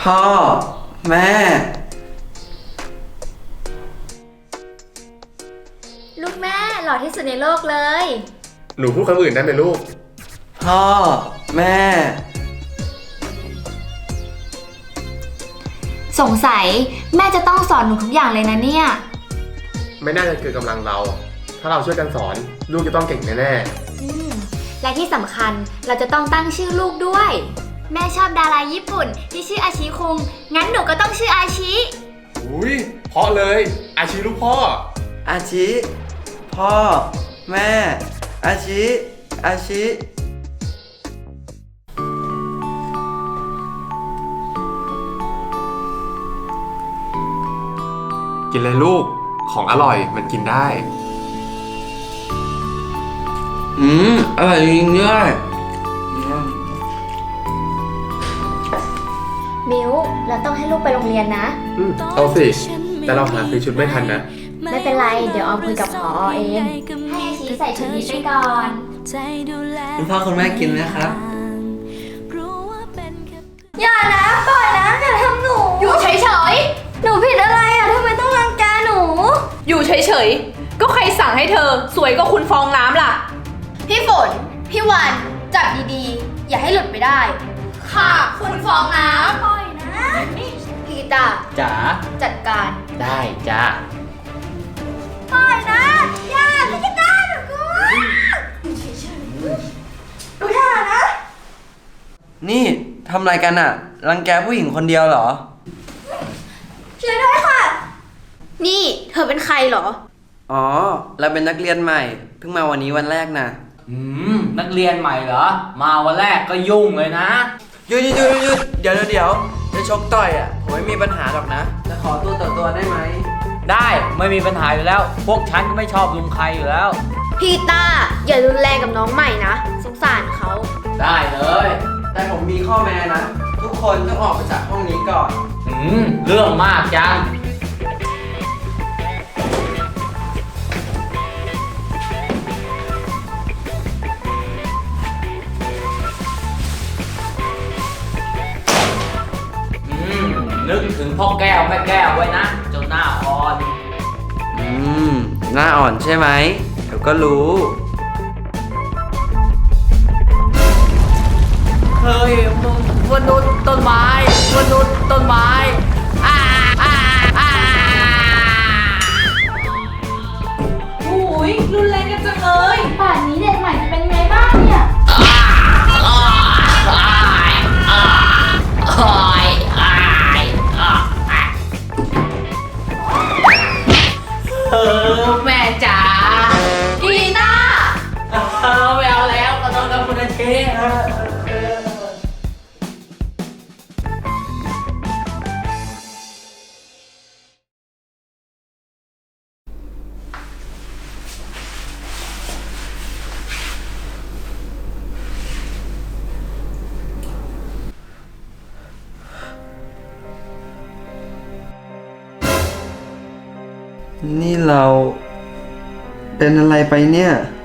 พ่อ แม่ลูกแม่หล่อที่สุดในโลกเลยหนูพูดคำอื่นได้ไหมลูกพ่อ แม่สงสัยแม่จะต้องสอนหนูทุกอย่างเลยนะเนี่ยไม่น่าจะเกินกำลังเรา ถ้าเราช่วยกันสอนลูกจะต้องเก่งแน่และที่สำคัญเราจะต้องตั้งชื่อลูกด้วย แม่ชอบดาราญี่ปุ่นที่ชื่ออาชิคุง งั้นหนูก็ต้องชื่ออาชิๆอุ้ยเพราะเลย อาชีลูกพ่ออาชิ พ่อ แม่ อาชิ อาชิกินเลยลูก ของอร่อยมันกินได้อร่อยจริงด้วยมิวเราต้องให้ลูกไปโรงเรียนนะเอาสิ แต่เราหาซื้อชุดไม่ทันนะไม่เป็นไร เดี๋ยวออมคุยกับผอเอง ให้อาชิใส่ชุดนี้ไปก่อนคุณพ่อคุณแม่กินไหมครับอย่านะปล่อยนะอย่าทำหนู อยู่เฉยๆ หนูผิดอะไรอ่ะทำไมต้องรังแกหนูอยู่เฉยๆ ก็ใครสั่งให้เธอ สวยก็คุณฟองน้ำล่ะพี่ฝน พี่วันจับดีๆ อย่าให้หลุดไปได้ ค่ะ คุณฟองน้ำปล่อยนะพี่กีตาร์จ๋าจัดการได้จ้าปล่อยนะอย่าพี่กีตาร์หนูกลัวหนูอย่านะนี่ทำอะไรกันอะรังแกผู้หญิงคนเดียวเหรอช่วยด้วยค่ะ นี่เธอเป็นใครเหรออ๋อ เราเป็นนักเรียนใหม่ เพิ่งมาวันนี้วันแรกนะนักเรียนใหม่เหรอ มาวันแรกก็ยุ่งเลยนะหยุดเดี๋ยวจะชกต่อยอะผมไม่มีปัญหาหรอกนะ จะขอตัวต่อตัวได้ไหมได้ไม่มีปัญหาอยู่แล้ว พวกฉันก็ไม่ชอบลุงใครอยู่แล้วพี่ตาอย่ารุนแรงกับน้องใหม่นะ สงสารเขาได้เลยแต่ผมมีข้อแม้นะ ทุกคนต้องออกไปจากห้องนี้ก่อนเรื่องมากจัง นึกถึงพ่อแก้วแม่แก้วไว้นะเจ้าหน้าอ่อนหน้าอ่อนใช่ไหม เดี๋ยวก็รู้เคยมนุษย์ต้นไม้มนุษย์ต้นไม้อ่าโอ้ยรุนแรงกันจังเลยป่านนี้เด็กใหม่จะเป็นไงบ้างเนี่ยแม่จ๋ากีตาร์ไม่เอาแล้วขอโทษครับคุณอาชีพนี่เราเป็นอะไรไปเนี่ย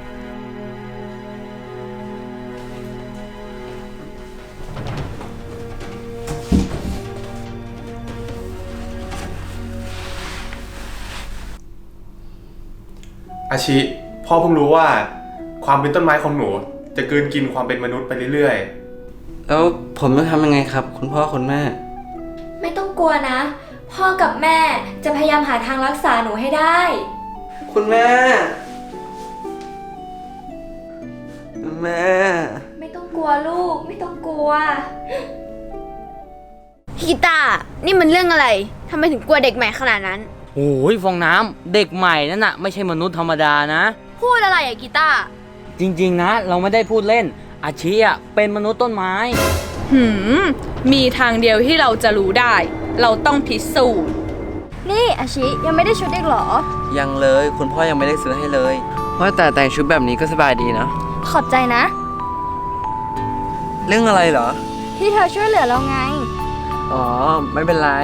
อาชิ พ่อเพิ่งรู้ว่า ความเป็นต้นไม้ของหนู จะกลืนกินความเป็นมนุษย์ไปเรื่อยแล้วผมต้องทำยังไงครับ คุณพ่อคุณแม่ไม่ต้องกลัวนะ พ่อกับแม่จะพยายามหาทางรักษาหนูให้ได้คุณแม่ แม่ไม่ต้องกลัวลูก ไม่ต้องกลัวกีตาร์นี่มันเรื่องอะไรทำไมถึงกลัวเด็กใหม่ขนาดนั้นโอ้ยฟองน้ำเด็กใหม่นั่นน่ะไม่ใช่มนุษย์ธรรมดานะพูดอะไรอะกีตาร์จริงๆนะ เราไม่ได้พูดเล่น อาชีอะเป็นมนุษย์ต้นไม้มีทางเดียวที่เราจะรู้ได้ เราต้องพิสูจน์นี่อาชิยังไม่ได้ชุดอีกเหรอยังเลย คุณพ่อยังไม่ได้ซื้อให้เลยว่าแต่แต่งชุดแบบนี้ก็สบายดีเนาะขอบใจนะเรื่องอะไรเหรอที่เธอช่วยเหลือเราไงอ๋อ ไม่เป็นไร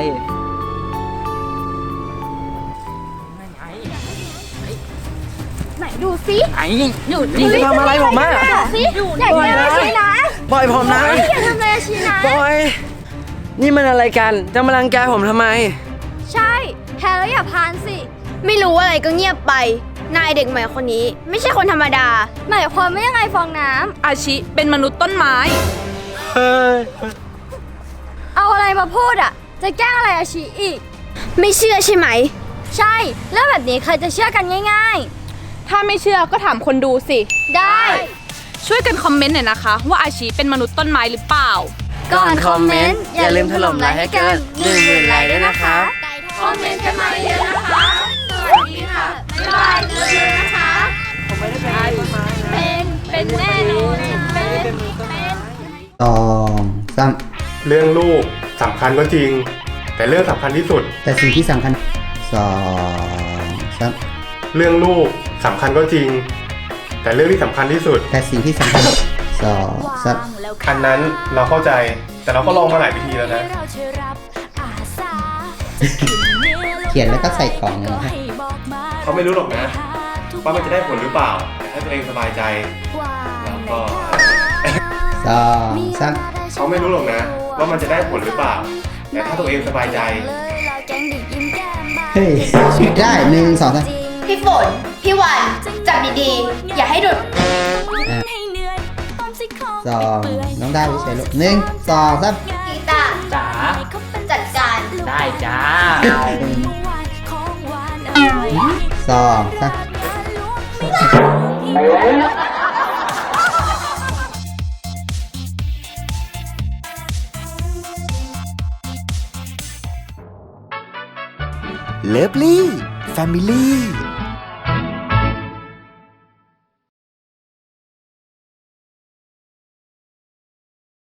ไหนดูซิไอ้นี่นี่จะทำอะไรผมอ่ะดูซิอยากเจออาชินะปล่อยผมนะอย่าทำอะไรอาชินะปล่อยนี่มันอะไรกัน จะมารังแกผมทำไมใช่แพ้แล้วอย่าพานสิ ไม่รู้อะไรก็เงียบไป นายเด็กใหม่คนนี้ ไม่ใช่คนธรรมดา หมายความว่ายังไงฟองน้ำอาชิเป็นมนุษย์ต้นไม้เฮ้ยเอาอะไรมาพูดอ่ะ จะแกล้งอะไรอาชีอีก ไม่เชื่อใช่ไหม ใช่เรื่องแบบนี้ใครจะเชื่อกันง่ายถ้าไม่เชื่อก็ถามคนดูสิๆ ได้ช่วยกันคอมเมนต์หน่อยนะคะ ว่าอาชิเป็นมนุษย์ต้นไม้หรือเปล่าก่อนคอมเมนต์อย่าลืมถล่มไลค์ให้เกิน 10,000 ไลค์ด้วยนะคะคอมเมนต์กันมาเยอะนะคะสวัสดีค่ะ บ๊ายบายเจอกันนะคะ เป็นแน่นอนเป็น 2 3 เรื่องลูกสำคัญก็จริง แต่เรื่องสำคัญที่สุดแต่สิ่งที่สำคัญ2 3 เรื่องลูกสำคัญก็จริง แต่เรื่องที่สำคัญที่สุดแต่สิ่งที่สำคัญ2 3 อันนั้นเราเข้าใจแต่เราก็ลองมาหลายวิธีแล้วนะเขียนแล้วก็ใส่กล่องเลยนะครับเขาไม่รู้หรอกนะว่ามันจะได้ผลหรือเปล่าแต่ถ้าตัวเองสบายใจแล้วก็ 2 3 เขาไม่รู้หรอกนะว่ามันจะได้ผลหรือเปล่า แต่ถ้าตัวเองสบายใจเฮ้ยได้1 2 3 พี่ฝน พี่วันจับดีๆ อย่าให้หลุด 2น้องได้วิชัยลูก1 2 3 กีตาร์จ๋าจัดการได้จ้า 2 3 เลิฟลี่แฟมิลี่